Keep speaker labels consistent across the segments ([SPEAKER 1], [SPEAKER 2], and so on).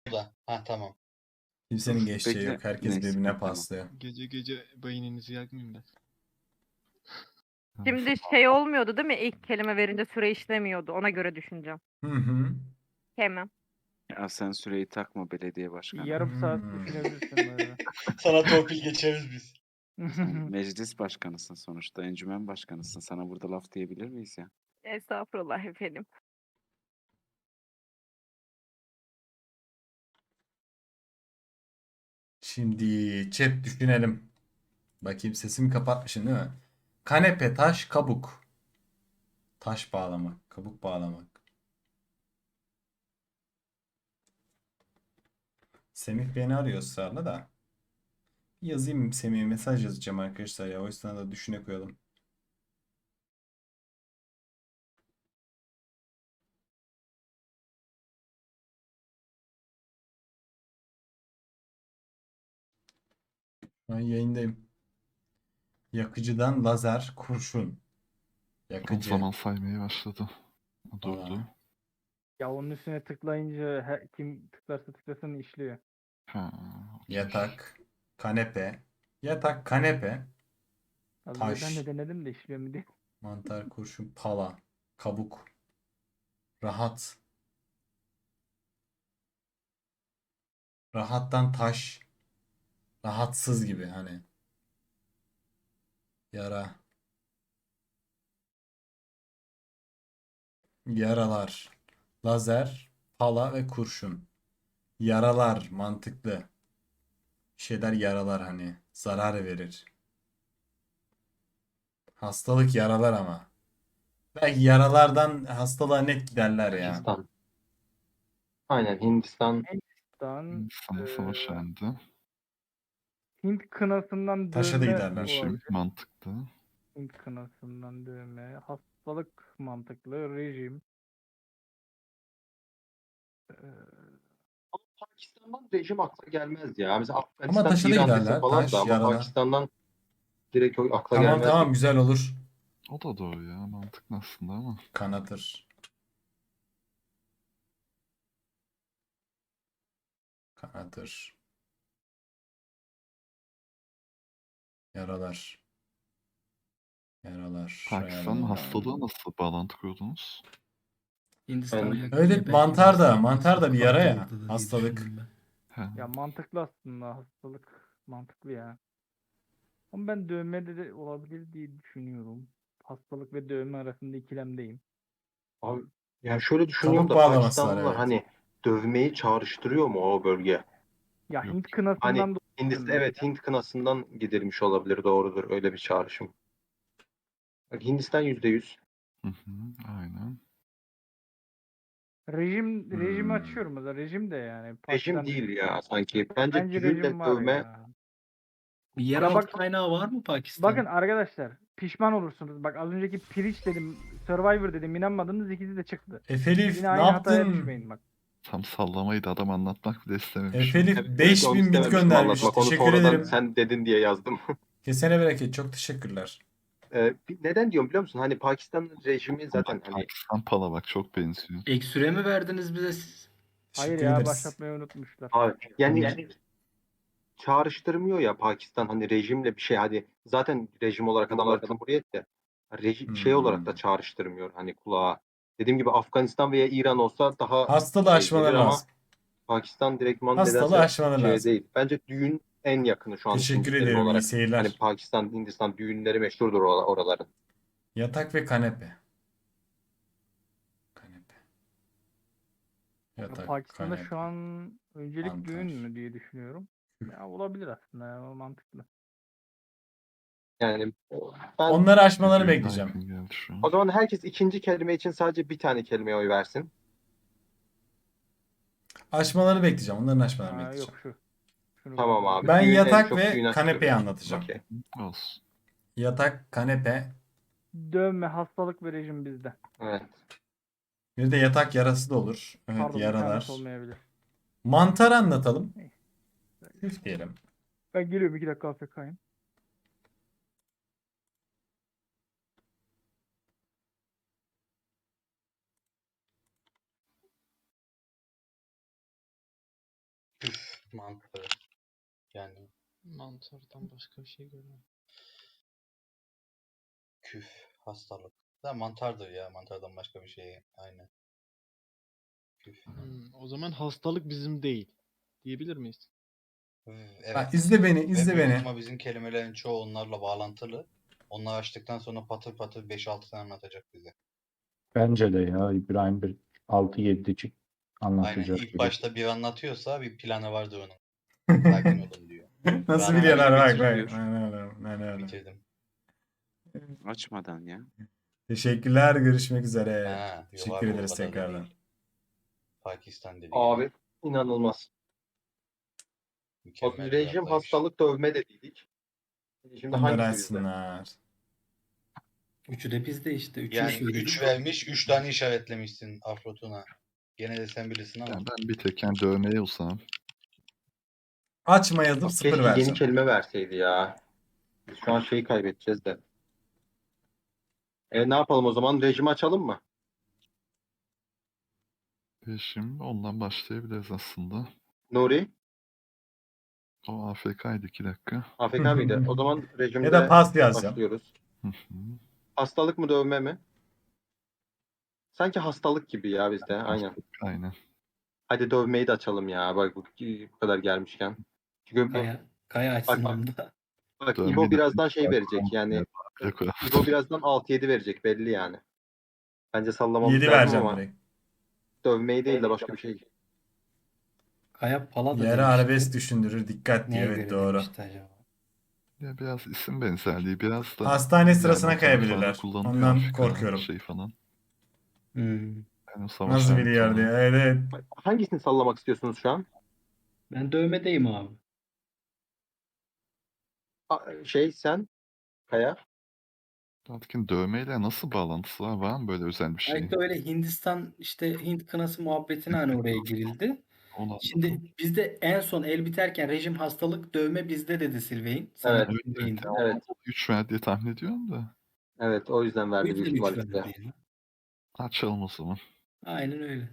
[SPEAKER 1] da. Ha tamam.
[SPEAKER 2] Kimsenin
[SPEAKER 3] Dur,
[SPEAKER 2] geçeceği
[SPEAKER 3] bekle.
[SPEAKER 2] yok. Herkes
[SPEAKER 3] Neyse,
[SPEAKER 2] birbirine
[SPEAKER 3] tamam.
[SPEAKER 2] paslıyor.
[SPEAKER 4] Gece gece beyninizi yakmayayım ben.
[SPEAKER 5] Şimdi şey olmuyordu değil mi? İlk kelime verince süre işlemiyordu. Ona göre düşüneceğim.
[SPEAKER 2] Hı hı.
[SPEAKER 5] Hemen.
[SPEAKER 3] Ya sen süreyi takma belediye başkanı.
[SPEAKER 6] Yarım saat
[SPEAKER 2] Hmm.
[SPEAKER 6] düşünebilirsin böyle.
[SPEAKER 1] Sana torpil geçeriz biz.
[SPEAKER 3] Sen meclis başkanısın sonuçta. Encümen başkanısın. Sana burada laf diyebilir miyiz ya?
[SPEAKER 5] Estağfurullah efendim.
[SPEAKER 2] Şimdi chat düşünelim. Bakayım sesimi kapatmışım değil mi? Kanepe, taş, kabuk. Taş bağlamak, kabuk bağlamak. Semih beni arıyor ısrarla da. Yazayım Semih'e mesaj yazacağım arkadaşlar ya. O yüzden de düşüne koyalım. Ben yayındayım. Yakıcıdan lazer, kurşun.
[SPEAKER 7] O
[SPEAKER 2] Yakıcı.
[SPEAKER 7] zaman saymaya başladı. Durdu.
[SPEAKER 2] Aa.
[SPEAKER 6] Ya onun üstüne tıklayınca kim tıklarsa tıklasın işliyor.
[SPEAKER 7] Ha, okey.
[SPEAKER 2] Yatak, kanepe. Yatak, kanepe.
[SPEAKER 6] Az önce ben
[SPEAKER 2] Taş.
[SPEAKER 6] de denedim de işliyor mu diye.
[SPEAKER 2] Mantar, kurşun, pala, kabuk. Rahat. Rahattan taş. Rahatsız gibi hani. Yara. Yaralar. Lazer, pala ve kurşun. Yaralar mantıklı. Bir şeyler yaralar hani. Zarar verir. Hastalık yaralar ama. Belki yaralardan hastalığa net giderler ya.
[SPEAKER 8] Hindistan. Aynen Hindistan.
[SPEAKER 6] Hindistan,
[SPEAKER 7] Sana savaş
[SPEAKER 6] eee,
[SPEAKER 7] yendi.
[SPEAKER 6] Hint kınasından
[SPEAKER 2] Taşa da
[SPEAKER 6] dövme
[SPEAKER 2] giderler.
[SPEAKER 7] Rejim
[SPEAKER 6] olabilir.
[SPEAKER 7] mantıklı.
[SPEAKER 6] Hint kınasından dövme. Hastalık mantıklı. Rejim. Eee,
[SPEAKER 8] Ama Pakistan'dan rejim akla gelmez ya. Mesela
[SPEAKER 2] Ama
[SPEAKER 8] Afganistan,
[SPEAKER 2] taşa da
[SPEAKER 8] İran dese
[SPEAKER 2] giderler.
[SPEAKER 8] falan da
[SPEAKER 2] Taş,
[SPEAKER 8] ama
[SPEAKER 2] yaralar.
[SPEAKER 8] Pakistan'dan direkt o akla
[SPEAKER 2] Tamam
[SPEAKER 8] gelmez
[SPEAKER 2] tamam
[SPEAKER 8] gibi.
[SPEAKER 2] güzel olur.
[SPEAKER 7] O da doğru ya. Mantıklı aslında ama.
[SPEAKER 2] Kanatır. Kanatır. Yaralar. Yaralar.
[SPEAKER 7] Pakistan'ın
[SPEAKER 2] Yaralar.
[SPEAKER 7] hastalığı nasıl bağlantı kurdunuz?
[SPEAKER 9] Hindistan'a
[SPEAKER 8] Ben-
[SPEAKER 9] yakın
[SPEAKER 2] Öyle
[SPEAKER 9] ya, belki
[SPEAKER 2] mantar da
[SPEAKER 9] Hindistan
[SPEAKER 2] mantar da bir
[SPEAKER 9] hastalık
[SPEAKER 2] yara ya.
[SPEAKER 9] hastalıktadır diye
[SPEAKER 2] Hastalık.
[SPEAKER 9] düşündüm ben.
[SPEAKER 7] Ha.
[SPEAKER 6] Ya mantıklı aslında. Hastalık mantıklı ya. Ama ben dövme de olabilir diye düşünüyorum. Hastalık ve dövme arasında ikilemdeyim.
[SPEAKER 8] Abi, yani şöyle düşünüyorum
[SPEAKER 2] Kabuk
[SPEAKER 8] da
[SPEAKER 2] bağlaması var
[SPEAKER 8] Pakistanlılar
[SPEAKER 2] evet.
[SPEAKER 8] hani dövmeyi çağrıştırıyor mu o bölge?
[SPEAKER 6] Ya
[SPEAKER 7] Yok.
[SPEAKER 6] Hint
[SPEAKER 8] Hani
[SPEAKER 6] kınasından dolayı
[SPEAKER 8] Hindistan,
[SPEAKER 6] mesela.
[SPEAKER 8] evet Hint kınasından gidilmiş olabilir, doğrudur öyle bir çağrışım. Bak, Hindistan %100.
[SPEAKER 7] Hı hı, aynen.
[SPEAKER 6] Rejimi
[SPEAKER 2] Hmm.
[SPEAKER 6] açıyorum o da. Rejim de yani.
[SPEAKER 8] Rejim
[SPEAKER 6] Pakistan
[SPEAKER 8] değil ya sanki. Bence
[SPEAKER 6] bence
[SPEAKER 8] düğünle
[SPEAKER 6] rejim var
[SPEAKER 8] dövme
[SPEAKER 6] ya.
[SPEAKER 9] Yeraltı
[SPEAKER 6] bak-
[SPEAKER 9] kaynağı var mı Pakistan?
[SPEAKER 6] Bakın arkadaşlar pişman olursunuz. Bak az önceki Preach dedim, Survivor dedim, inanmadınız ikisi de çıktı.
[SPEAKER 2] Efelif
[SPEAKER 6] Yine
[SPEAKER 2] ne
[SPEAKER 6] aynı hataya
[SPEAKER 2] yaptın?
[SPEAKER 6] düşmeyin bak.
[SPEAKER 7] Tam sallamayı da adam anlatmak bile istememiş.
[SPEAKER 2] Efelif
[SPEAKER 8] Evet, onu
[SPEAKER 2] 5000 bit
[SPEAKER 8] istememiştim
[SPEAKER 2] göndermiş.
[SPEAKER 8] anlatmak. Onu
[SPEAKER 2] Teşekkür
[SPEAKER 8] sonradan
[SPEAKER 2] ederim.
[SPEAKER 8] sen dedin diye yazdım.
[SPEAKER 2] Kesene bereket. Çok teşekkürler.
[SPEAKER 8] Neden diyorum biliyor musun? Hani Pakistan'ın rejimi zaten
[SPEAKER 7] Bak,
[SPEAKER 8] hani
[SPEAKER 7] Pakistan pala bak çok benziyor.
[SPEAKER 9] Ek süre mi verdiniz bize siz?
[SPEAKER 6] Hayır
[SPEAKER 2] Teşekkür
[SPEAKER 6] ya
[SPEAKER 2] ederiz.
[SPEAKER 6] başlatmayı unutmuşlar.
[SPEAKER 8] abi, yani
[SPEAKER 9] Yani-
[SPEAKER 8] çağrıştırmıyor ya Pakistan hani rejimle bir şey, hadi zaten rejim olarak adamlar cumhuriyet de şey olarak da çağrıştırmıyor hani kulağa. Dediğim gibi Afganistan veya İran olsa daha
[SPEAKER 2] Hastalığı
[SPEAKER 8] şey
[SPEAKER 2] aşmaları
[SPEAKER 8] gelir ama
[SPEAKER 2] lazım.
[SPEAKER 8] Pakistan direktman
[SPEAKER 2] Hastalığı
[SPEAKER 8] nedense
[SPEAKER 2] aşmaları
[SPEAKER 8] şey
[SPEAKER 2] lazım.
[SPEAKER 8] değil. Bence düğün en yakını şu an
[SPEAKER 2] Teşekkür
[SPEAKER 8] Hintlerin
[SPEAKER 2] ediyorum. İyi
[SPEAKER 8] olarak.
[SPEAKER 2] seyirler.
[SPEAKER 8] Hani Pakistan, Hindistan düğünleri meşhurdur oraların.
[SPEAKER 2] Yatak ve kanepe. Kanepe.
[SPEAKER 6] Ya
[SPEAKER 2] Yatak,
[SPEAKER 6] Pakistan'da
[SPEAKER 2] kanepe.
[SPEAKER 6] şu an öncelik
[SPEAKER 2] Mantar.
[SPEAKER 6] düğün mü diye düşünüyorum. Ya olabilir aslında ya mantıklı.
[SPEAKER 8] Yani ben
[SPEAKER 2] Onları aşmalarını
[SPEAKER 7] Düğüne
[SPEAKER 2] bekleyeceğim.
[SPEAKER 7] yakın geldi şu an.
[SPEAKER 8] o zaman herkes ikinci kelime için sadece bir tane kelimeye oy versin.
[SPEAKER 2] Aşmalarını bekleyeceğim. Onların aşmalarını
[SPEAKER 6] Ha,
[SPEAKER 2] bekleyeceğim.
[SPEAKER 6] yok şu. Şunu
[SPEAKER 8] Tamam
[SPEAKER 6] kullanalım.
[SPEAKER 8] abi.
[SPEAKER 2] Ben
[SPEAKER 8] Düğün en
[SPEAKER 2] yatak
[SPEAKER 8] çok
[SPEAKER 2] ve
[SPEAKER 8] düğün
[SPEAKER 2] kanepeyi
[SPEAKER 8] açıyoruz.
[SPEAKER 2] anlatacağım.
[SPEAKER 8] Okey.
[SPEAKER 7] Olsun.
[SPEAKER 2] Yatak, kanepe.
[SPEAKER 6] Dövme, hastalık ve rejim bizde.
[SPEAKER 8] Evet.
[SPEAKER 2] Bir de yatak yarası da olur. Evet
[SPEAKER 6] Pardon bir tanesi
[SPEAKER 2] yaralar.
[SPEAKER 6] olmayabilir.
[SPEAKER 2] Mantar anlatalım.
[SPEAKER 6] Neyse.
[SPEAKER 2] Üf diyelim.
[SPEAKER 6] Ben geliyorum 2 dakika AFK'yim.
[SPEAKER 1] Küf mantarı. Yani
[SPEAKER 4] Mantardan başka bir şey görmedim.
[SPEAKER 1] küf hastalık. Da mantardır ya. Mantardan başka bir şey. Aynen. Küf.
[SPEAKER 4] O zaman hastalık bizim değil. Diyebilir miyiz?
[SPEAKER 1] Evet.
[SPEAKER 2] Bak izle beni,
[SPEAKER 1] Ve
[SPEAKER 2] izle
[SPEAKER 1] büyük
[SPEAKER 2] beni.
[SPEAKER 1] ihtimal bizim kelimelerin çoğu onlarla bağlantılı. Onları açtıktan sonra patır patır 5-6 tane anlatacak bize.
[SPEAKER 10] Bence de ya İbrahim bir 6-7'cik
[SPEAKER 1] Aynen.
[SPEAKER 10] anlatacak
[SPEAKER 1] İlk
[SPEAKER 10] gibi.
[SPEAKER 1] başta bir anlatıyorsa bir planı vardır onun. Sakin olun diyor.
[SPEAKER 2] Nasıl
[SPEAKER 1] Ben
[SPEAKER 2] biliyorlar
[SPEAKER 3] oyunu
[SPEAKER 2] bak bak.
[SPEAKER 3] bitiriyor.
[SPEAKER 2] Aynen öyle.
[SPEAKER 1] Bitirdim.
[SPEAKER 3] Açmadan ya.
[SPEAKER 2] Teşekkürler, görüşmek üzere.
[SPEAKER 1] Ha,
[SPEAKER 2] Teşekkür
[SPEAKER 1] yok abi, o
[SPEAKER 2] ederiz
[SPEAKER 1] kadar da
[SPEAKER 2] tekrardan.
[SPEAKER 1] değil. Pakistan dedi.
[SPEAKER 8] Abi inanılmaz. O
[SPEAKER 1] Mükemmel bir
[SPEAKER 8] rejim,
[SPEAKER 1] atlayış.
[SPEAKER 8] hastalık, dövme dediydik. Şimdi
[SPEAKER 2] Onlar
[SPEAKER 8] hangisi bizde?
[SPEAKER 2] açsınlar.
[SPEAKER 9] Üçü de bizde işte. Üçünü
[SPEAKER 1] Yani
[SPEAKER 9] söyledik.
[SPEAKER 1] 3 vermiş, 3 tane işaretlemişsin Afrotun'a. Gene de sen bilirsin ama.
[SPEAKER 7] Yani ben bir tek yani dövmeye olsam.
[SPEAKER 2] Açma yazıp
[SPEAKER 8] Bak,
[SPEAKER 2] 0
[SPEAKER 8] keşke yeni
[SPEAKER 2] vereceğim.
[SPEAKER 8] kelime verseydi ya. Biz şu an şeyi kaybedeceğiz de. Ne yapalım o zaman? Rejimi açalım mı?
[SPEAKER 7] Şimdi ondan başlayabiliriz aslında.
[SPEAKER 8] Nuri?
[SPEAKER 7] O AFK'ydı 2 dakika.
[SPEAKER 8] AFK mıydı? O zaman rejimde
[SPEAKER 2] Ya da pas yazacağım.
[SPEAKER 8] başlıyoruz.
[SPEAKER 7] Hı hı.
[SPEAKER 8] Hastalık mı, dövme mi? Sanki hastalık gibi ya bizde. Aynen.
[SPEAKER 7] Aynen.
[SPEAKER 8] Hadi dövmeyi de açalım ya. Bak bu kadar gelmişken. Çünkü
[SPEAKER 9] Kaya açsın
[SPEAKER 8] Bak.
[SPEAKER 9] onu da.
[SPEAKER 8] bak
[SPEAKER 7] Dövmeyi
[SPEAKER 8] İbo
[SPEAKER 7] de-
[SPEAKER 8] birazdan şey verecek. Yani
[SPEAKER 7] Bir koyalım.
[SPEAKER 8] İbo birazdan 6-7 verecek belli yani. Bence sallamamız
[SPEAKER 2] 7
[SPEAKER 8] lazım
[SPEAKER 2] vereceğim
[SPEAKER 8] ama
[SPEAKER 2] direkt.
[SPEAKER 8] dövmeyi değil de başka bir şey.
[SPEAKER 9] Kaya pala da
[SPEAKER 2] Yarı
[SPEAKER 9] demişti.
[SPEAKER 2] arabesk düşündürür. Dikkat diye.
[SPEAKER 9] Neye
[SPEAKER 2] Evet
[SPEAKER 9] göre
[SPEAKER 2] doğru.
[SPEAKER 9] demişti acaba?
[SPEAKER 7] Ya biraz isim benzerliği, biraz da
[SPEAKER 2] Hastane sırasına
[SPEAKER 7] yani o taraflarda
[SPEAKER 2] kayabilirler.
[SPEAKER 7] kullanılıyor
[SPEAKER 2] Ondan
[SPEAKER 7] AFK
[SPEAKER 2] korkuyorum.
[SPEAKER 7] Şey falan.
[SPEAKER 9] Hmm.
[SPEAKER 7] Yani savaş
[SPEAKER 2] Nasıl
[SPEAKER 7] anı
[SPEAKER 2] biliyor
[SPEAKER 7] falan.
[SPEAKER 2] diye. Evet.
[SPEAKER 8] Hangisini sallamak istiyorsunuz şu an?
[SPEAKER 9] Ben dövmedeyim abi.
[SPEAKER 8] Sen Kaya.
[SPEAKER 7] Artık dövmeyle nasıl bağlantısı var? Var mı böyle özel bir şey?
[SPEAKER 9] Belki öyle Hindistan işte Hint kınası muhabbetine hani oraya girildi.
[SPEAKER 7] Onu
[SPEAKER 9] Şimdi bizde en son el biterken rejim hastalık dövme bizde dedi Sylvain. Sana
[SPEAKER 8] Evet.
[SPEAKER 9] Sylvain'di.
[SPEAKER 8] Evet.
[SPEAKER 7] 3 ver diye tahmin ediyorum da.
[SPEAKER 8] Evet, o yüzden
[SPEAKER 9] O
[SPEAKER 8] verdi
[SPEAKER 9] yüzden
[SPEAKER 8] büyük ihtimal
[SPEAKER 9] üç
[SPEAKER 8] size.
[SPEAKER 9] verdi ya.
[SPEAKER 7] Açalım o zaman.
[SPEAKER 9] Aynen öyle.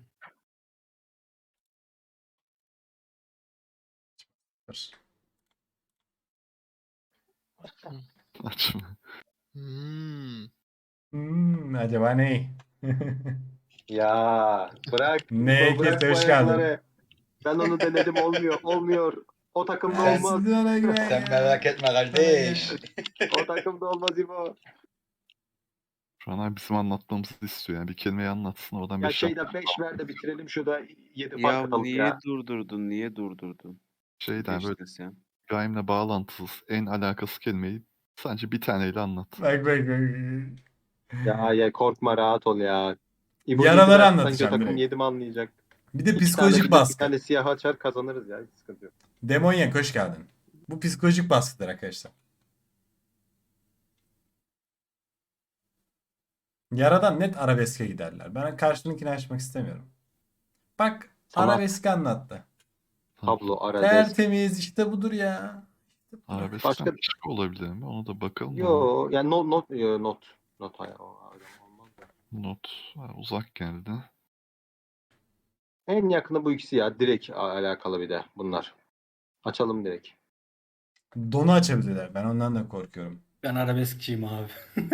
[SPEAKER 7] Açma.
[SPEAKER 2] Acaba ne?
[SPEAKER 8] Ya bırak.
[SPEAKER 2] Ne
[SPEAKER 8] İbo, bırak
[SPEAKER 2] kese,
[SPEAKER 8] bu
[SPEAKER 2] hoş geldin.
[SPEAKER 8] ayakları. Ben onu denedim, olmuyor. Olmuyor. O takımda
[SPEAKER 1] Sen-
[SPEAKER 8] olmaz.
[SPEAKER 2] Siz bana güven
[SPEAKER 1] Sen
[SPEAKER 2] ya.
[SPEAKER 1] merak etme kardeş.
[SPEAKER 8] O takımda olmaz İbo.
[SPEAKER 7] Şu an abi bizim anlatmamızı istiyor. Yani bir kelimeyi anlatsın oradan
[SPEAKER 8] Ya
[SPEAKER 7] 5
[SPEAKER 8] şeyde 5 ver de bitirelim, şurada 7 fark
[SPEAKER 3] Ya
[SPEAKER 8] atalım
[SPEAKER 3] niye
[SPEAKER 8] ya.
[SPEAKER 3] durdurdun? Niye durdurdun?
[SPEAKER 7] şeyden böyle
[SPEAKER 3] Geçtin sen.
[SPEAKER 7] İbrahim'le bağlantısız en alakası kelimeyi sadece bir taneyle anlat.
[SPEAKER 2] Bak bak bak.
[SPEAKER 8] Ya korkma, rahat ol ya. İbo
[SPEAKER 2] Yaraları
[SPEAKER 8] yedi verse
[SPEAKER 2] anlatacağım
[SPEAKER 8] sanki o takım
[SPEAKER 2] direkt.
[SPEAKER 8] 7 mi anlayacak?
[SPEAKER 2] Bir de
[SPEAKER 8] 2 tane
[SPEAKER 2] psikolojik
[SPEAKER 8] bilir, bir
[SPEAKER 2] baskı.
[SPEAKER 8] tane siyah açar, kazanırız ya. Hiç sıkıntı yok.
[SPEAKER 2] Demonyak hoş geldin. Bu psikolojik baskıdır arkadaşlar. Yaradan net arabeske giderler. Ben karşınınkini açmak istemiyorum. Bak
[SPEAKER 8] Tamam.
[SPEAKER 2] arabeski anlattı.
[SPEAKER 8] Tablo, arabesk.
[SPEAKER 2] Tertemiz işte budur ya.
[SPEAKER 7] Arabeskten
[SPEAKER 8] Başka-
[SPEAKER 7] başka olabilir mi? Onu da bakalım. da.
[SPEAKER 8] Yo, yani not. Not hayır, olmaz da.
[SPEAKER 7] Not uzak geldi.
[SPEAKER 8] En yakını bu ikisi ya. Direkt alakalı bir de bunlar. Açalım direkt.
[SPEAKER 2] Donu açabilirler. Ben ondan da korkuyorum.
[SPEAKER 9] Ben arabeskçiyim abi.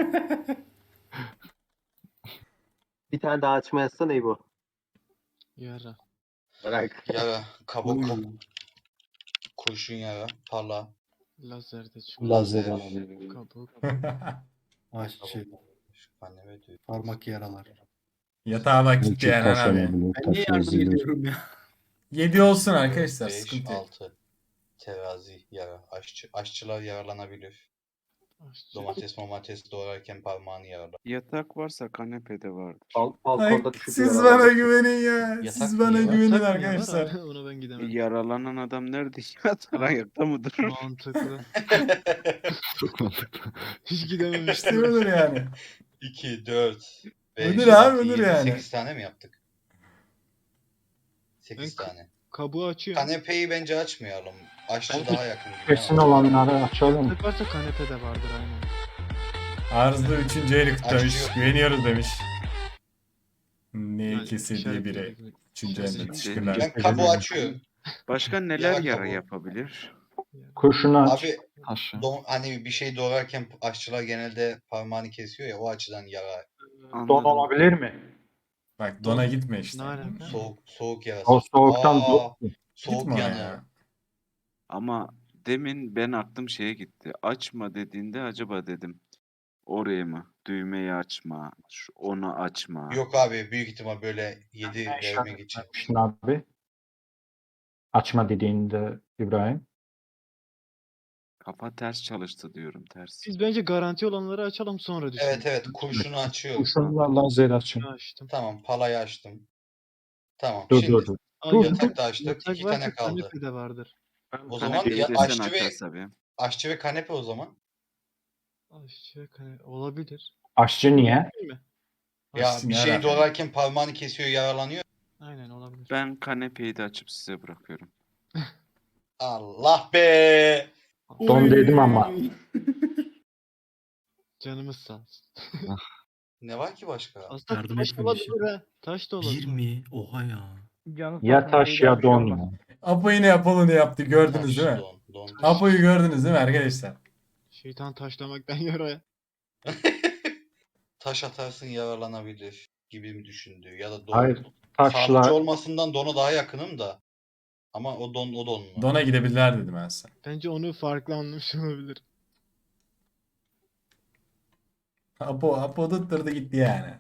[SPEAKER 8] Bir tane daha açma yazsana İbo.
[SPEAKER 4] Yara.
[SPEAKER 8] Bırak.
[SPEAKER 1] Yara, kabuk,
[SPEAKER 9] Uy.
[SPEAKER 1] kurşun yara, pala,
[SPEAKER 4] Lazer de çıkıyor.
[SPEAKER 1] lazer,
[SPEAKER 4] Kabuk.
[SPEAKER 9] Aşçı.
[SPEAKER 1] anneme diyor.
[SPEAKER 9] Parmak yaralar.
[SPEAKER 2] Yatağa bak gitti yani abi.
[SPEAKER 9] Ben niye yardım ediyorum ya?
[SPEAKER 2] 7 olsun arkadaşlar.
[SPEAKER 1] 5,
[SPEAKER 2] Sıkıntı yok.
[SPEAKER 1] 6. Terazi, yara. Aşçılar yaralanabilir.
[SPEAKER 4] Aşçı.
[SPEAKER 1] Domates doğrarken parmağını yaralar.
[SPEAKER 3] Yatak varsa kanepede vardır.
[SPEAKER 2] Ay,
[SPEAKER 8] Balkonda düşüp
[SPEAKER 2] siz
[SPEAKER 8] yaralandı.
[SPEAKER 2] bana güvenin ya.
[SPEAKER 1] Yatak
[SPEAKER 2] Siz bana
[SPEAKER 1] niye var?
[SPEAKER 2] güvenin
[SPEAKER 4] Yatak mı ya?
[SPEAKER 2] arkadaşlar.
[SPEAKER 4] Ona ben gidemedim.
[SPEAKER 3] Yaralanan adam nerede yatar? Ayakta mı durur?
[SPEAKER 4] Mantıklı.
[SPEAKER 7] Çok mantıklı.
[SPEAKER 4] Hiç
[SPEAKER 2] İşte
[SPEAKER 4] gidememiştim.
[SPEAKER 2] budur yani.
[SPEAKER 1] 2, 4, 5,
[SPEAKER 2] Ödür abi, ödür
[SPEAKER 1] 7,
[SPEAKER 2] yani.
[SPEAKER 1] 8 tane mi yaptık? 8
[SPEAKER 4] Ben-
[SPEAKER 1] tane.
[SPEAKER 4] Kabuğu açıyorum.
[SPEAKER 1] Kanepeyi bence açmayalım. Aşçı
[SPEAKER 10] Bence
[SPEAKER 1] daha yakın gibi.
[SPEAKER 10] Kesin
[SPEAKER 1] ama.
[SPEAKER 10] olanları açalım.
[SPEAKER 4] Yatak varsa kanepede vardır aynen.
[SPEAKER 2] Arzda 3. eli kutlamış.
[SPEAKER 1] Açıyor.
[SPEAKER 2] Güveniyoruz demiş. Ne
[SPEAKER 4] Yani
[SPEAKER 2] ikisi diye biri.
[SPEAKER 4] işaretledik.
[SPEAKER 2] 3. elinde.
[SPEAKER 3] Şimdi-
[SPEAKER 2] Teşekkürler.
[SPEAKER 1] Ben kabuğu açıyorum.
[SPEAKER 3] Başka neler
[SPEAKER 1] Yara
[SPEAKER 3] yara
[SPEAKER 1] kabuğu.
[SPEAKER 3] yapabilir?
[SPEAKER 10] Kurşunu aç.
[SPEAKER 1] Abi
[SPEAKER 7] Taşı.
[SPEAKER 1] hani bir şey doğrarken aşçılar genelde parmağını kesiyor ya, o açıdan yara.
[SPEAKER 10] Don
[SPEAKER 3] Anladım.
[SPEAKER 10] olabilir mi?
[SPEAKER 2] Bak dona gitme işte.
[SPEAKER 4] Ne alaka?
[SPEAKER 1] Soğuk yarası.
[SPEAKER 10] O soğuktan
[SPEAKER 1] Soğuk
[SPEAKER 2] Gitme ona
[SPEAKER 1] yanı.
[SPEAKER 2] ya.
[SPEAKER 3] Ama demin ben aklım şeye gitti. Açma dediğinde acaba dedim. Oraya mı? Düğmeyi açma. Onu açma.
[SPEAKER 1] Yok abi, büyük ihtimal böyle 7
[SPEAKER 10] Ne
[SPEAKER 1] vermek
[SPEAKER 10] işaret
[SPEAKER 1] için.
[SPEAKER 10] vermiştin abi? Açma dediğinde İbrahim.
[SPEAKER 3] Kafa ters çalıştı diyorum, ters.
[SPEAKER 4] Biz bence garanti olanları açalım sonra düşünelim.
[SPEAKER 1] Evet kurşunu açıyorum.
[SPEAKER 10] Kurşunla lazer açın.
[SPEAKER 4] Açtım.
[SPEAKER 1] Tamam, palayı açtım. Tamım,
[SPEAKER 10] Dur
[SPEAKER 1] şimdi
[SPEAKER 10] dur dur.
[SPEAKER 1] yatak da açtık.
[SPEAKER 4] Yatak
[SPEAKER 1] 2 tane
[SPEAKER 4] varsa
[SPEAKER 1] kaldı.
[SPEAKER 4] kanepe de vardır.
[SPEAKER 1] O zaman
[SPEAKER 3] Kanepeyi
[SPEAKER 1] ya
[SPEAKER 3] de sen
[SPEAKER 1] aşçı ve
[SPEAKER 3] açarsa bir.
[SPEAKER 1] aşçı ve kanepe o zaman.
[SPEAKER 4] Aşağı kanepe olabilir.
[SPEAKER 10] Aşçı niye?
[SPEAKER 4] Değil mi?
[SPEAKER 1] Ya
[SPEAKER 2] Aşçı
[SPEAKER 1] bir
[SPEAKER 2] ne
[SPEAKER 1] şey
[SPEAKER 2] alaka?
[SPEAKER 1] doğrarken parmağını kesiyor, yaralanıyor.
[SPEAKER 4] Aynen olabilir.
[SPEAKER 3] Ben kanepeyi de açıp size bırakıyorum.
[SPEAKER 1] Allah be!
[SPEAKER 10] Don dedim ama.
[SPEAKER 4] Canımız sağ olsun.
[SPEAKER 1] Ne var ki başka?
[SPEAKER 4] Aslında
[SPEAKER 11] Yardım
[SPEAKER 4] taş
[SPEAKER 11] etmemişim.
[SPEAKER 4] olabilir ha. Taş da olabilir.
[SPEAKER 11] 20. Oha ya.
[SPEAKER 6] Canı
[SPEAKER 10] Ya
[SPEAKER 6] sağ olsun,
[SPEAKER 10] taş
[SPEAKER 6] iyiydi,
[SPEAKER 10] ya
[SPEAKER 6] bir şey
[SPEAKER 10] don
[SPEAKER 6] olmaz.
[SPEAKER 10] ya.
[SPEAKER 2] Apo yine Apollo ne yaptı gördünüz
[SPEAKER 1] Taş,
[SPEAKER 2] değil mi?
[SPEAKER 1] don.
[SPEAKER 2] Apo'yu gördünüz değil mi arkadaşlar?
[SPEAKER 4] Şeytan taşlamaktan yaraya.
[SPEAKER 1] Taş atarsın, yaralanabilir gibi mi düşündü? Ya da don.
[SPEAKER 10] Hayır.
[SPEAKER 1] Sağlıkçı
[SPEAKER 10] Taşla
[SPEAKER 1] olmasından dona daha yakınım da. Ama o don mu?
[SPEAKER 2] Dona gidebilirler dedim ben size.
[SPEAKER 4] Bence onu farklı anlamış olabilir.
[SPEAKER 2] Apo tutturdu gitti yani.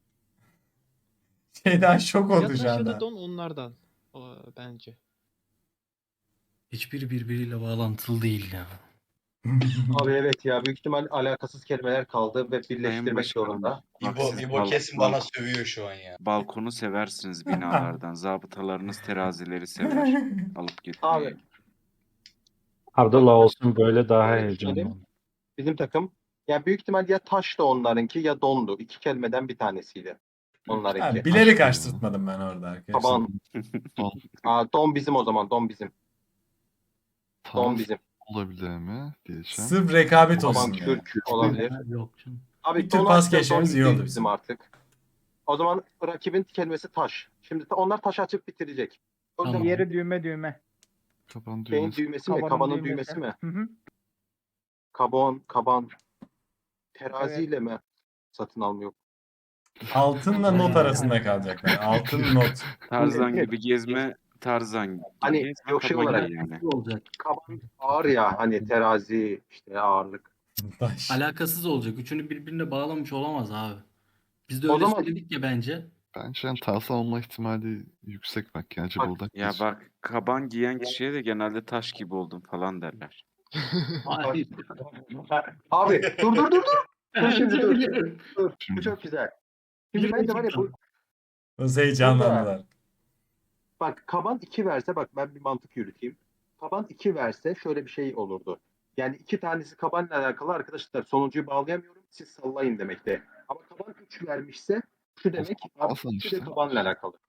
[SPEAKER 2] Şeyden şok
[SPEAKER 4] Ya
[SPEAKER 2] oldu
[SPEAKER 4] taş
[SPEAKER 2] şu
[SPEAKER 4] ya
[SPEAKER 2] anda.
[SPEAKER 4] da don onlardan. Bence.
[SPEAKER 11] Hiçbiri birbiriyle bağlantılı değil ya.
[SPEAKER 8] Abi evet ya, büyük ihtimal alakasız kelimeler kaldı ve
[SPEAKER 3] Sayın
[SPEAKER 8] birleştirmek
[SPEAKER 3] Başkanım,
[SPEAKER 8] zorunda.
[SPEAKER 3] bak
[SPEAKER 1] İbo,
[SPEAKER 3] siz
[SPEAKER 1] İbo kesin bana sövüyor şu an ya.
[SPEAKER 3] balkonu seversiniz binalardan. Zabıtalarınız terazileri sever. Alıp gitmeyi.
[SPEAKER 8] Abi
[SPEAKER 10] Ardıl olsun böyle daha
[SPEAKER 8] şöyle
[SPEAKER 10] heyecanlı.
[SPEAKER 8] düşünelim. Bizim takım ya büyük ihtimal ya taş da onlarınki ya dondu. İki kelimeden bir tanesiydi. Onlarınki.
[SPEAKER 2] Ha, bilerek
[SPEAKER 7] Aşk
[SPEAKER 2] açtırtmadım ben orada arkadaşlar.
[SPEAKER 8] Taban.
[SPEAKER 7] Don.
[SPEAKER 8] Don bizim o zaman. Don bizim. Don
[SPEAKER 7] Tarz
[SPEAKER 8] bizim.
[SPEAKER 7] olabilir mi diyeceğim.
[SPEAKER 2] Sırf rekabet
[SPEAKER 8] Taban
[SPEAKER 2] olsun diye.
[SPEAKER 8] Türk olabilir.
[SPEAKER 11] Yok canım.
[SPEAKER 8] Abi
[SPEAKER 2] Bir tür
[SPEAKER 8] don
[SPEAKER 2] pas
[SPEAKER 8] açacağız,
[SPEAKER 2] geçmemiz
[SPEAKER 8] don
[SPEAKER 2] iyi oldu
[SPEAKER 8] bizim
[SPEAKER 2] bizim.
[SPEAKER 8] artık. O zaman rakibin kelimesi taş. Şimdi onlar taş açıp bitirecek. O yüzden
[SPEAKER 11] Tamam.
[SPEAKER 6] Diğeri düğme.
[SPEAKER 7] Kapan
[SPEAKER 8] şeyin
[SPEAKER 7] düğmesi.
[SPEAKER 8] düğmesi mi?
[SPEAKER 6] Kabanın
[SPEAKER 8] Kabanın
[SPEAKER 6] düğmesi.
[SPEAKER 8] düğmesi mi?
[SPEAKER 6] Hı hı.
[SPEAKER 8] Kaban. Teraziyle mi satın almıyor?
[SPEAKER 2] Altınla not arasında kalacaklar. Altın not.
[SPEAKER 3] Tarzan gibi gezme, Tarzan gibi
[SPEAKER 8] Hani
[SPEAKER 3] gezme,
[SPEAKER 8] yok şey
[SPEAKER 3] kaban
[SPEAKER 8] olarak-
[SPEAKER 3] giy yani.
[SPEAKER 11] Olacak.
[SPEAKER 8] Kaban ağır ya, hani terazi işte ağırlık.
[SPEAKER 2] Taş.
[SPEAKER 11] Alakasız olacak. Üçünü birbirine bağlamış olamaz abi. Biz de
[SPEAKER 8] O
[SPEAKER 11] öyle
[SPEAKER 8] zaman-
[SPEAKER 11] söyledik ya bence.
[SPEAKER 7] Bence yani tarzan olma ihtimali yüksek bak. Yani acaba
[SPEAKER 8] Bak,
[SPEAKER 7] oradan
[SPEAKER 3] Ya
[SPEAKER 7] geç.
[SPEAKER 3] bak, kaban giyen kişiye de genelde taş gibi oldun falan derler.
[SPEAKER 11] Hayır.
[SPEAKER 8] Abi dur. Dur şimdi dur. Dur. Bu
[SPEAKER 7] Şimdi.
[SPEAKER 8] çok güzel. Şimdi bence var ya bu
[SPEAKER 2] Nasıl heyecanlandılar.
[SPEAKER 8] bak kaban 2 verse, bak ben bir mantık yürüteyim. Kaban 2 verse şöyle bir şey olurdu. Yani iki tanesi kabanla alakalı, arkadaşlar sonuncuyu bağlayamıyorum, siz sallayın demekte. Ama kaban 3 vermişse şu demek abi,
[SPEAKER 7] Hasan
[SPEAKER 8] ikisi de
[SPEAKER 7] işte.
[SPEAKER 8] kabanla alakalı.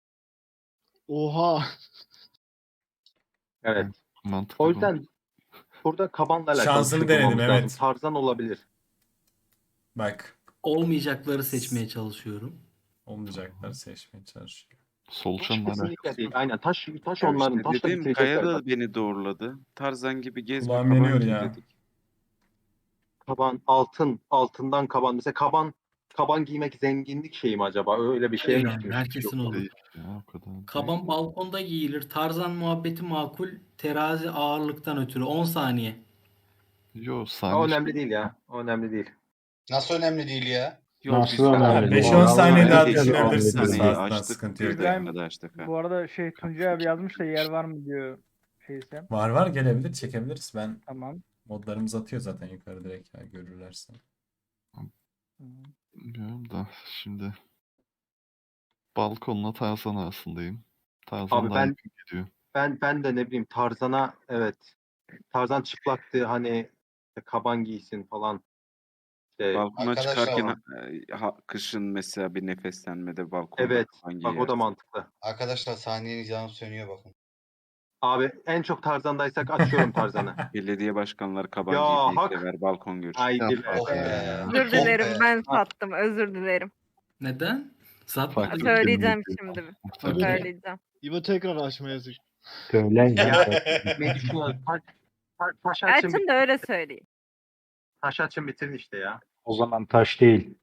[SPEAKER 4] Oha.
[SPEAKER 8] Evet.
[SPEAKER 7] Mantıklı
[SPEAKER 8] O
[SPEAKER 7] bu.
[SPEAKER 8] yüzden burada kabanla alakalı
[SPEAKER 2] Şansını
[SPEAKER 8] bir şey
[SPEAKER 2] denedim,
[SPEAKER 8] bulmamız lazım.
[SPEAKER 2] evet.
[SPEAKER 8] Tarzan olabilir.
[SPEAKER 2] Bak.
[SPEAKER 11] Olmayacakları seçmeye çalışıyorum.
[SPEAKER 2] Olmayacaklar seçmeye çalışıyor.
[SPEAKER 8] Taş
[SPEAKER 7] Solucanla
[SPEAKER 8] kesinlikle
[SPEAKER 7] alakası
[SPEAKER 8] değil.
[SPEAKER 7] yok.
[SPEAKER 8] Aynen taş
[SPEAKER 3] Ya
[SPEAKER 8] onların.
[SPEAKER 3] işte
[SPEAKER 8] Taşla
[SPEAKER 3] dedim, Kaya
[SPEAKER 8] bitirecekler.
[SPEAKER 3] da beni doğruladı. Tarzan gibi gezme,
[SPEAKER 2] Kulağım
[SPEAKER 3] kaban
[SPEAKER 2] yanıyor
[SPEAKER 3] giy
[SPEAKER 2] ya.
[SPEAKER 3] dedik.
[SPEAKER 8] Kaban, altından kaban. Mesela kaban giymek zenginlik şeyi mi acaba? Öyle bir şey mi?
[SPEAKER 11] Yani
[SPEAKER 8] gitmiş?
[SPEAKER 11] herkesin
[SPEAKER 8] Yok.
[SPEAKER 11] olur.
[SPEAKER 7] Değil ya, o kadar değil.
[SPEAKER 11] Kaban balkonda giyilir. Tarzan muhabbeti makul. Terazi ağırlıktan ötürü. 10 saniye.
[SPEAKER 7] Yo
[SPEAKER 8] O
[SPEAKER 7] saniye
[SPEAKER 8] önemli değil ya. O önemli değil.
[SPEAKER 1] Nasıl önemli değil ya?
[SPEAKER 3] Yok
[SPEAKER 10] Nasıl
[SPEAKER 3] biz
[SPEAKER 10] önemli değil?
[SPEAKER 2] 5-10 saniye daha
[SPEAKER 8] Vallahi
[SPEAKER 2] düşünebilirsiniz.
[SPEAKER 3] saniyeyi
[SPEAKER 2] Zaten
[SPEAKER 3] açtık.
[SPEAKER 2] sıkıntı
[SPEAKER 3] Bir
[SPEAKER 2] yok.
[SPEAKER 6] İbrahim,
[SPEAKER 3] dakikada açtık ha.
[SPEAKER 6] Bu arada Tuncay abi yazmış da yer var mı diyor şeyse.
[SPEAKER 2] Var gelebilir, çekebiliriz. Ben
[SPEAKER 6] Tamam.
[SPEAKER 2] modlarımız atıyor zaten yukarı direkt ya, görürlerse.
[SPEAKER 6] Hı.
[SPEAKER 7] Bilmiyorum da şimdi balkonla Tarzan arasındayım. Tarzan
[SPEAKER 8] Abi
[SPEAKER 7] daha
[SPEAKER 8] ben-
[SPEAKER 7] yakın gidiyor.
[SPEAKER 8] Ben de ne bileyim Tarzan'a, evet. Tarzan çıplaktı, hani kaban giysin falan. İşte,
[SPEAKER 3] Balkona
[SPEAKER 1] Arkadaşlar
[SPEAKER 3] çıkarken
[SPEAKER 8] var.
[SPEAKER 3] kışın mesela bir nefeslenmede balkonda
[SPEAKER 8] evet.
[SPEAKER 3] kaban
[SPEAKER 8] Bak o da
[SPEAKER 3] giyersin.
[SPEAKER 8] mantıklı.
[SPEAKER 1] Arkadaşlar saniyenin canı sönüyor bakın.
[SPEAKER 8] Abi en çok Tarzan'daysak açıyorum Tarzan'ı.
[SPEAKER 3] Belediye başkanları kaban
[SPEAKER 8] Ya,
[SPEAKER 3] giymeyi
[SPEAKER 8] hak.
[SPEAKER 3] sever, balkon görüşü.
[SPEAKER 8] Haydi be.
[SPEAKER 1] Oh be.
[SPEAKER 5] Özür
[SPEAKER 1] Oh
[SPEAKER 5] dilerim,
[SPEAKER 1] be.
[SPEAKER 5] ben sattım. Özür dilerim.
[SPEAKER 11] Neden? Satma.
[SPEAKER 7] Farklı
[SPEAKER 5] Söyleyeceğim
[SPEAKER 7] kelime
[SPEAKER 5] şimdi.
[SPEAKER 7] muhtemelen.
[SPEAKER 5] Söyleyeceğim.
[SPEAKER 4] İbo tekrar açma yazık.
[SPEAKER 10] Söyle ya.
[SPEAKER 8] Ne düşünüyorsun? Taş açın,
[SPEAKER 5] Elçin de öyle söyleyeyim.
[SPEAKER 8] taş açın bitirin işte ya.
[SPEAKER 10] O zaman taş değil.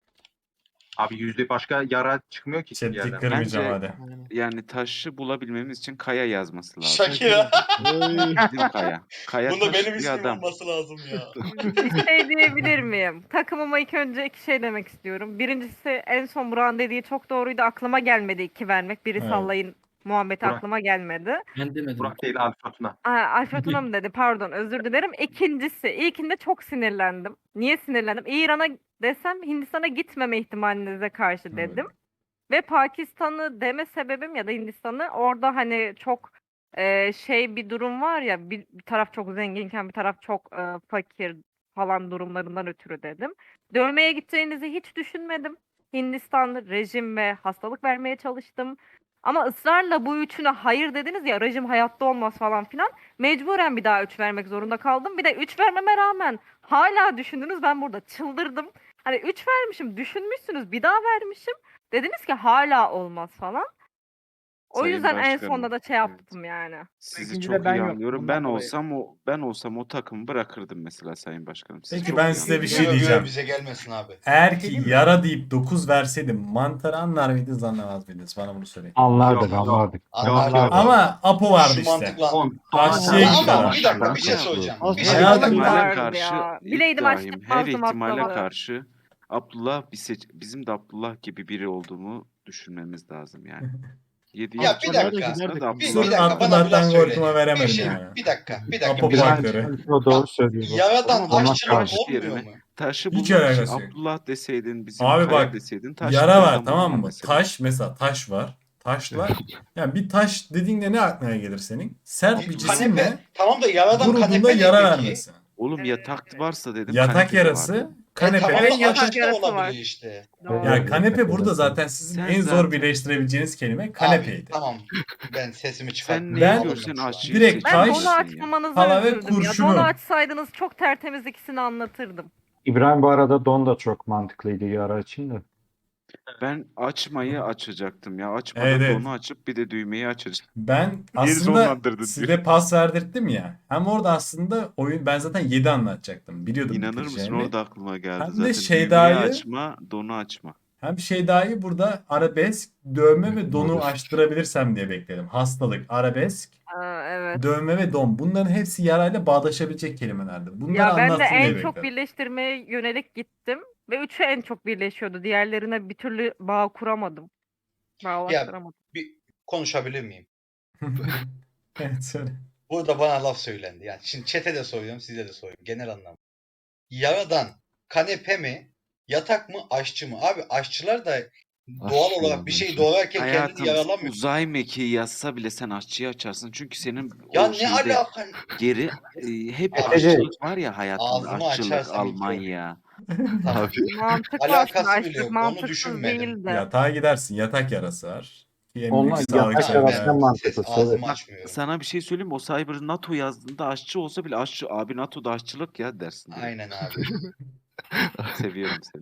[SPEAKER 8] Abi yüzde başka yara çıkmıyor ki bir
[SPEAKER 2] Chat'i
[SPEAKER 8] yerden.
[SPEAKER 2] kırmayacağım
[SPEAKER 3] Bence-
[SPEAKER 2] hadi.
[SPEAKER 4] Aynen.
[SPEAKER 3] Yani taşı bulabilmemiz için Kaya yazması lazım.
[SPEAKER 1] Shakira.
[SPEAKER 4] Oy.
[SPEAKER 3] Bizim Kaya. Kaya
[SPEAKER 1] Bunda
[SPEAKER 3] taş
[SPEAKER 1] benim
[SPEAKER 3] bir
[SPEAKER 1] ismim
[SPEAKER 3] adam.
[SPEAKER 1] olması lazım ya.
[SPEAKER 5] Bir şey diyebilir miyim? Takımıma ilk önce iki şey demek istiyorum. Birincisi en son Burak'ın dediği çok doğruydu. Aklıma gelmedi 2 vermek. Biri
[SPEAKER 2] Evet.
[SPEAKER 5] sallayın muhabbeti
[SPEAKER 8] Burak.
[SPEAKER 5] aklıma gelmedi.
[SPEAKER 11] Ben demedim.
[SPEAKER 8] Burak değil Alfa Tuna.
[SPEAKER 5] Alfa Tuna mı dedi? Pardon, özür dilerim. İkincisi, ilkinde çok sinirlendim. Niye sinirlendim? İran'a desem Hindistan'a gitmeme ihtimalinize karşı
[SPEAKER 2] Evet.
[SPEAKER 5] dedim. Ve Pakistan'ı deme sebebim ya da Hindistan'ı orada hani çok şey bir durum var ya, bir taraf çok zenginken bir taraf çok fakir falan durumlarından ötürü dedim. Dövmeye gideceğinizi hiç düşünmedim. Hindistan rejim ve hastalık vermeye çalıştım. Ama ısrarla bu üçüne hayır dediniz ya, rejim hayatta olmaz falan filan. Mecburen bir daha 3 vermek zorunda kaldım. Bir de 3 vermeme rağmen hala düşündünüz, ben burada çıldırdım. Hani 3 vermişim, düşünmüşsünüz, bir daha vermişim. Dediniz ki hala olmaz falan. O
[SPEAKER 3] Sayın
[SPEAKER 5] yüzden en
[SPEAKER 3] Başkanım,
[SPEAKER 5] sonunda da şey
[SPEAKER 3] evet.
[SPEAKER 5] yaptım yani.
[SPEAKER 3] Sizi
[SPEAKER 6] İkinci
[SPEAKER 3] çok
[SPEAKER 6] de ben
[SPEAKER 3] iyi
[SPEAKER 6] yoktum,
[SPEAKER 3] anlıyorum.
[SPEAKER 6] ondan
[SPEAKER 3] Ben
[SPEAKER 6] dolayı.
[SPEAKER 3] olsam o takımı bırakırdım mesela Sayın Başkanım. Sizi
[SPEAKER 2] Peki
[SPEAKER 3] çok
[SPEAKER 2] ben
[SPEAKER 3] iyi
[SPEAKER 2] size bir
[SPEAKER 3] anlıyorum.
[SPEAKER 2] şey
[SPEAKER 1] Göre
[SPEAKER 2] diyeceğim.
[SPEAKER 1] bize gelmesin abi.
[SPEAKER 2] Eğer ki
[SPEAKER 6] Değil mi?
[SPEAKER 2] yara deyip 9 verseydim mantarı anlar mıydınız anlamaz mıydınız? Bana bunu söyleyin.
[SPEAKER 10] Anlardık
[SPEAKER 8] Yok, yok.
[SPEAKER 10] anlardık.
[SPEAKER 1] Anlardık.
[SPEAKER 8] Yok.
[SPEAKER 2] Ama Apo vardı
[SPEAKER 1] Şu
[SPEAKER 2] işte.
[SPEAKER 1] mantıkla.
[SPEAKER 8] On.
[SPEAKER 2] Aşçıya
[SPEAKER 1] Ama
[SPEAKER 2] gitti adam.
[SPEAKER 1] bir dakika bir şey
[SPEAKER 3] Ya bu-
[SPEAKER 1] söyleyeceğim.
[SPEAKER 4] Az
[SPEAKER 1] Bir
[SPEAKER 3] Her
[SPEAKER 1] şey
[SPEAKER 2] Hayatım-
[SPEAKER 1] söyleyeceğim.
[SPEAKER 5] Hastalık
[SPEAKER 3] ihtimale
[SPEAKER 5] vardı
[SPEAKER 3] karşı
[SPEAKER 5] ya. Bileydim
[SPEAKER 3] İbrahim, her
[SPEAKER 5] açtırmazdım
[SPEAKER 3] ihtimale
[SPEAKER 5] hastalığı.
[SPEAKER 3] karşı bizim de Abdullah gibi biri olduğumu düşünmemiz lazım yani. 7'yi
[SPEAKER 1] Ya bir
[SPEAKER 4] Hastalığa da
[SPEAKER 1] dakika.
[SPEAKER 4] giderdik
[SPEAKER 1] Bir,
[SPEAKER 4] ama.
[SPEAKER 1] bir
[SPEAKER 2] Sırf
[SPEAKER 1] dakika bana bir
[SPEAKER 2] Abdullah'tan
[SPEAKER 1] laf söyle.
[SPEAKER 2] korkuma
[SPEAKER 1] Bir
[SPEAKER 2] veremedim
[SPEAKER 1] şey,
[SPEAKER 2] yani.
[SPEAKER 1] bir dakika
[SPEAKER 2] Apo
[SPEAKER 1] bir şey
[SPEAKER 10] İbrahim
[SPEAKER 1] söyleyeceğim.
[SPEAKER 2] faktörü.
[SPEAKER 10] o doğru söylüyor.
[SPEAKER 1] Yaradan
[SPEAKER 3] Ama bak,
[SPEAKER 1] aşçılık
[SPEAKER 3] taş
[SPEAKER 1] olmuyor
[SPEAKER 3] yerine
[SPEAKER 1] mu?
[SPEAKER 3] taşı
[SPEAKER 2] Hiç
[SPEAKER 3] bulmak için
[SPEAKER 2] alakası yok.
[SPEAKER 3] Abdullah deseydin, bizim
[SPEAKER 2] Abi
[SPEAKER 3] Kaya
[SPEAKER 2] bak,
[SPEAKER 3] deseydin taş
[SPEAKER 2] yara
[SPEAKER 3] bir
[SPEAKER 2] var
[SPEAKER 3] adam
[SPEAKER 2] tamam
[SPEAKER 3] bulmam
[SPEAKER 2] mı?
[SPEAKER 3] mesela.
[SPEAKER 2] Taş mesela taş var. Taşlar. Yani bir taş dediğinde ne aklına gelir senin? Sert bir
[SPEAKER 1] Kanepe.
[SPEAKER 2] cisimle
[SPEAKER 1] Tamam da yaradan
[SPEAKER 2] vurduğunda
[SPEAKER 1] kanepe ne
[SPEAKER 2] yara
[SPEAKER 1] peki?
[SPEAKER 2] vermesi.
[SPEAKER 3] Oğlum yatak varsa dedim,
[SPEAKER 2] Yatak
[SPEAKER 3] kanepe de
[SPEAKER 2] yarası
[SPEAKER 3] vardı.
[SPEAKER 1] Tamam
[SPEAKER 2] kanepeden
[SPEAKER 1] da
[SPEAKER 2] yatak.
[SPEAKER 1] aşçı da
[SPEAKER 5] yarası var.
[SPEAKER 1] olabilir işte.
[SPEAKER 5] Doğru.
[SPEAKER 2] Ya kanepe
[SPEAKER 10] Yatak
[SPEAKER 2] burada
[SPEAKER 10] yarası.
[SPEAKER 2] zaten sizin
[SPEAKER 3] Sen
[SPEAKER 2] en zor
[SPEAKER 3] zaten-
[SPEAKER 2] birleştirebileceğiniz kelime
[SPEAKER 1] Abi
[SPEAKER 2] kanepeydi.
[SPEAKER 1] tamam. Ben sesimi çıkarttım.
[SPEAKER 3] Sen
[SPEAKER 2] Ben-
[SPEAKER 3] neyi görsen aşçıyı
[SPEAKER 2] direkt
[SPEAKER 5] Ben
[SPEAKER 2] taş,
[SPEAKER 5] donu
[SPEAKER 3] seçeceksin ya.
[SPEAKER 5] açmamanıza
[SPEAKER 2] pala ve
[SPEAKER 5] üzüldüm ya.
[SPEAKER 2] kurşunu.
[SPEAKER 5] Donu açsaydınız çok tertemiz ikisini anlatırdım.
[SPEAKER 10] İbrahim bu arada don da çok mantıklıydı yara için de.
[SPEAKER 3] Ben açmayı açacaktım ya. Açmadan
[SPEAKER 2] Evet, evet.
[SPEAKER 3] donu açıp bir de düğmeyi açacaktım.
[SPEAKER 2] Ben
[SPEAKER 3] Niye
[SPEAKER 2] aslında
[SPEAKER 3] sonlandırdın
[SPEAKER 2] size
[SPEAKER 3] diyor.
[SPEAKER 2] pas verdirttim ya. Hem orada aslında oyun ben zaten 7 anlatacaktım. Biliyordum
[SPEAKER 3] İnanır mısın,
[SPEAKER 2] bitireceğimi.
[SPEAKER 3] orada aklıma geldi
[SPEAKER 2] Hem de
[SPEAKER 3] zaten.
[SPEAKER 2] Şeyda'yı-
[SPEAKER 3] Düğmeyi açma, donu açma.
[SPEAKER 2] Hem Şeyda'yı burada arabesk, dövme ve donu
[SPEAKER 7] Modest.
[SPEAKER 2] açtırabilirsem diye bekledim. Hastalık, arabesk,
[SPEAKER 5] Evet.
[SPEAKER 2] dövme ve don. Bunların hepsi yarayla bağdaşabilecek kelimelerdi. Bunları
[SPEAKER 5] Ya ben de
[SPEAKER 2] anlatsın diye
[SPEAKER 5] en çok
[SPEAKER 2] bekledim.
[SPEAKER 5] birleştirmeye yönelik gittim. Ve üçü en çok birleşiyordu. Diğerlerine bir türlü bağ kuramadım. Bağlaştıramadım.
[SPEAKER 1] Bir konuşabilir miyim?
[SPEAKER 2] Evet söyle.
[SPEAKER 1] Burada bana laf söylendi. Yani şimdi chat'e de soruyorum, size de soruyorum. Genel anlamda. Yaradan kanepe mi, yatak mı, aşçı mı? Abi aşçılar da doğal
[SPEAKER 7] Aşçı
[SPEAKER 1] olarak bir şey
[SPEAKER 7] bence.
[SPEAKER 1] doğrarken kendini
[SPEAKER 3] Hayatım,
[SPEAKER 1] yaralamıyor.
[SPEAKER 3] uzay mekiği yazsa bile sen aşçıyı açarsın. Çünkü senin
[SPEAKER 1] Ya
[SPEAKER 3] o
[SPEAKER 1] ne
[SPEAKER 3] şeyde
[SPEAKER 1] alaka?
[SPEAKER 3] geri hep
[SPEAKER 1] Abi,
[SPEAKER 3] aşçılık var ya hayatında.
[SPEAKER 1] ağzımı
[SPEAKER 3] Aşçılık,
[SPEAKER 1] açarsam ilk
[SPEAKER 3] Almanya.
[SPEAKER 1] Tamam.
[SPEAKER 7] Abi
[SPEAKER 5] Mantıklı
[SPEAKER 1] Alakası
[SPEAKER 5] aslında.
[SPEAKER 1] bile
[SPEAKER 5] Açlık
[SPEAKER 1] yok, onu
[SPEAKER 5] mantıksız
[SPEAKER 1] düşünmedim.
[SPEAKER 5] değildi.
[SPEAKER 2] Yatağa gidersin. Yatak yarası var. Ki en
[SPEAKER 10] Onlar
[SPEAKER 2] büyük sağlık
[SPEAKER 10] yatak
[SPEAKER 1] Tamam,
[SPEAKER 10] yarası
[SPEAKER 2] sorunu.
[SPEAKER 10] en mantıklısı,
[SPEAKER 1] ses ağzımı
[SPEAKER 10] evet.
[SPEAKER 1] açmıyorum.
[SPEAKER 3] Sana bir şey söyleyeyim mi? O Cyber NATO yazdığında aşçı olsa bile aşçı abi NATO'da aşçılık ya dersin direkt.
[SPEAKER 1] Aynen abi.
[SPEAKER 3] Seviyorum seni.